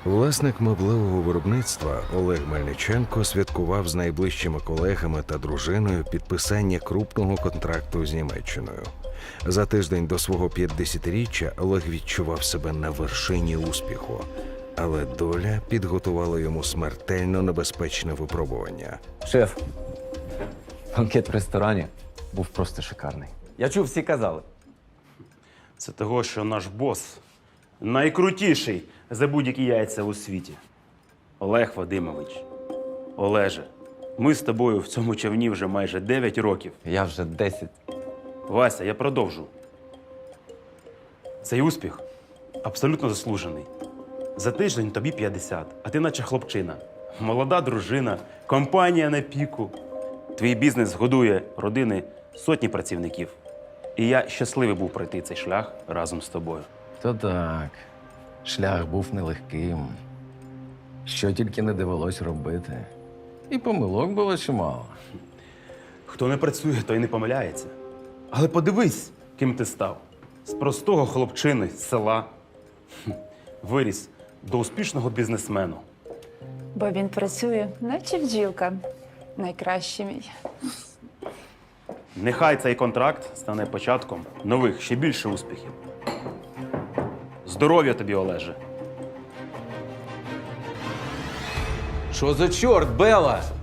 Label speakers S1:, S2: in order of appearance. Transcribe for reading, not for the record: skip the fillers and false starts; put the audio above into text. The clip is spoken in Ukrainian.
S1: Власник меблевого виробництва Олег Мельниченко святкував з найближчими колегами та дружиною підписання крупного контракту з Німеччиною. За тиждень до свого 50-річчя Олег відчував себе на вершині успіху. Але доля підготувала йому смертельно небезпечне випробування.
S2: Шеф, банкет в ресторані був просто шикарний. Я чув, всі казали.
S3: Це того, що наш бос найкрутіший за будь-які яйця у світі. Олег Вадимович, Олеже, ми з тобою в цьому човні вже майже 9 років.
S2: Я вже 10.
S3: Вася, я продовжу. Цей успіх абсолютно заслужений. За тиждень тобі 50, а ти наче хлопчина. Молода дружина, компанія на піку. Твій бізнес годує родини сотні працівників. І я щасливий був пройти цей шлях разом з тобою.
S2: То так, шлях був нелегким. Що тільки не довелось робити. І помилок було чимало.
S3: Хто не працює, той не помиляється. Але подивись, ким ти став. З простого хлопчини з села виріс до успішного бізнесмену.
S4: Бо він працює, наче бджілка. Найкращий мій.
S3: Нехай цей контракт стане початком нових, ще більше успіхів. Здоров'я тобі, Олеже.
S2: Що за чорт, Бела?